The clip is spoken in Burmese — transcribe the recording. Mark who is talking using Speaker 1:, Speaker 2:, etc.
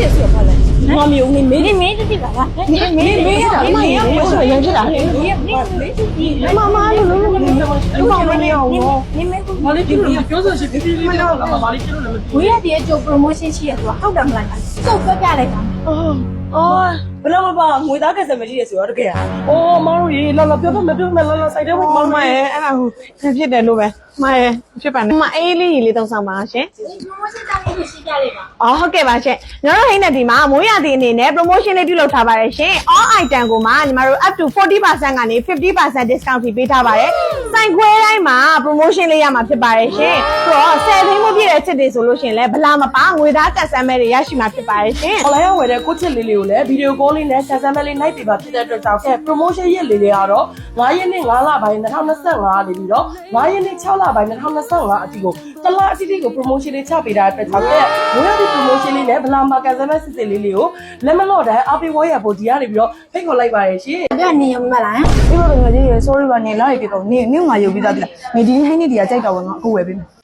Speaker 1: တယ်ဆိုတော့လေငါမျိုးနေမင်းတိပါလားမင်းရောဆိုရင်ဖြစ်တာလေမမလို့လို့လူမမနေအောင်မလေးဒီလိုပြောဆိုရှိဒီဒီမနော်မလေးကျလို့လည်းဝေးရတဲ့ကြို promotion ရှိရဆိုတာဟုတ်တယ်မလားစုပ်ပြပြလိုက်တာအော်ဘယ်တော့မှငွေသားကစမရှိရဆိုတော့တကယ်အော်မတို့ရေလာပြောတော့မပြောနဲ့လာစိုက်တဲ့ဘက်မရဲ့အဲ့ဒါဟိုဖြစ်တယ်လို့ပဲမရဲ့ဖြစ်ပါနဲ့မအေးလေးလေးသုံးဆောင်ပါရှင် promotion တောင်းလို့ရှိကြလေးပါအော်ဟုတ်ကဲ့ပါရှင်ညီတို့ဟိန်းနဲ့ဒီမှာမိုးရသည်အနေနဲ့ promotion လေးပြုလုပ်ထားပါတယ်ရှင် all item ကိုမှညီမတို့ up to 40% ကနေ 50% discount ထိပေးထားပါတယ်စိုက်ခွဲတိုင်းမှာ promotion လေးရမှာဖြစ်ပါတယ်ရှင်ဆိုတော့10သိန်းမပြည့်တဲ့ချစ်တွေဆိုလို့ရှင်လဲဘလာမပါငွေသားတက်ဆမ်းမဲတွေရရှိမှာဖြစ်ပါတယ်ရှင် online ဝယ်တဲ့ကိုချစ်လေးလေးကိုလည်း video call လေးနဲ့ဆက်ဆမ်းမဲလေး night တွေပါဖြစ်တဲ့အတွက်ကြောင့် promotion ရက်လေးတွေကတော့9ရက်နေ့9လပိုင်း2025နေပြီးတော့9ရက်နေ့6လပိုင်း2025အထိကိုတလအထိကို promotion လေးချပေးတာအတွက်ကြောင့်မိုးရသည့် promotion လေးနဲ့ဘလာမကန်ဆမ်းမဲစစ်စစ်လေးလေးကိုလက်မလော့တိုင်းအပေးဝေါ်ရဖို့ဒီကနေပြီးတော့ဖိတ်ခေါ်လိုက်ပါတယ်ရှင်အဲ့ဒါနေရမလားဒီလိုငါကြီး sorry ပါနေလာရပြတော့နေငါရုပ်ပြီးသားပြီလားဒီဟိုင်းနေတွေကကြိုက်တော့ငါအခုဝယ်ပေးမယ်